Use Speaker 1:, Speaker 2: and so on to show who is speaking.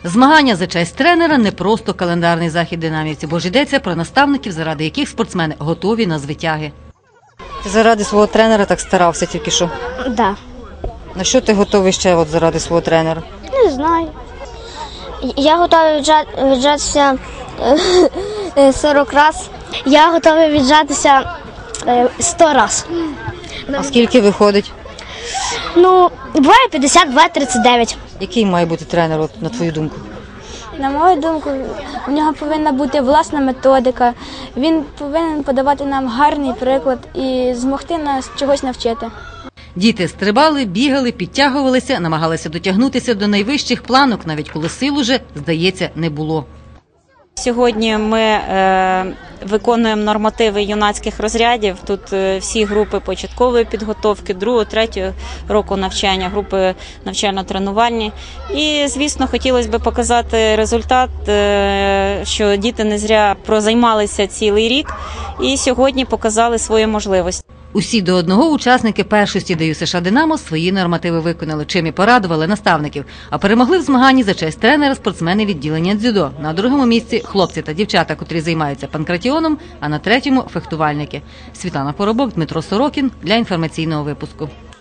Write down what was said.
Speaker 1: Змагання за честь тренера – не просто календарний захід динамівців, бо ж йдеться про наставників, заради яких спортсмени готові на звитяги.
Speaker 2: Ти заради свого тренера так старався тільки що?
Speaker 3: Да.
Speaker 2: На що ти готовий ще заради свого тренера?
Speaker 3: Не знаю. Я готовий віджатися 40 разів. Я готовий віджатися 100 разів.
Speaker 2: А скільки виходить?
Speaker 3: Ну, буває 50, буває 39.
Speaker 2: Який має бути тренер, на твою думку?
Speaker 4: На мою думку, у нього повинна бути власна методика, він повинен подавати нам гарний приклад і змогти нас чогось навчити.
Speaker 1: Діти стрибали, бігали, підтягувалися, намагалися дотягнутися до найвищих планок, навіть коли сил уже, здається, не було.
Speaker 5: Сьогодні ми виконуємо нормативи юнацьких розрядів. Тут всі групи початкової підготовки, 2-3 року навчання, групи навчально-тренувальні. І, звісно, хотілося б показати результат, що діти не зря прозаймалися цілий рік і сьогодні показали свої можливості.
Speaker 1: Усі до одного учасники першості ДЮСШ США «Динамо» свої нормативи виконали, чим і порадували наставників. А перемогли в змаганні за честь тренера спортсмени відділення дзюдо. На другому місці – хлопці та дівчата, котрі займаються панкратіоном, а на третьому – фехтувальники. Світлана Поробок, Дмитро Сорокін для інформаційного випуску.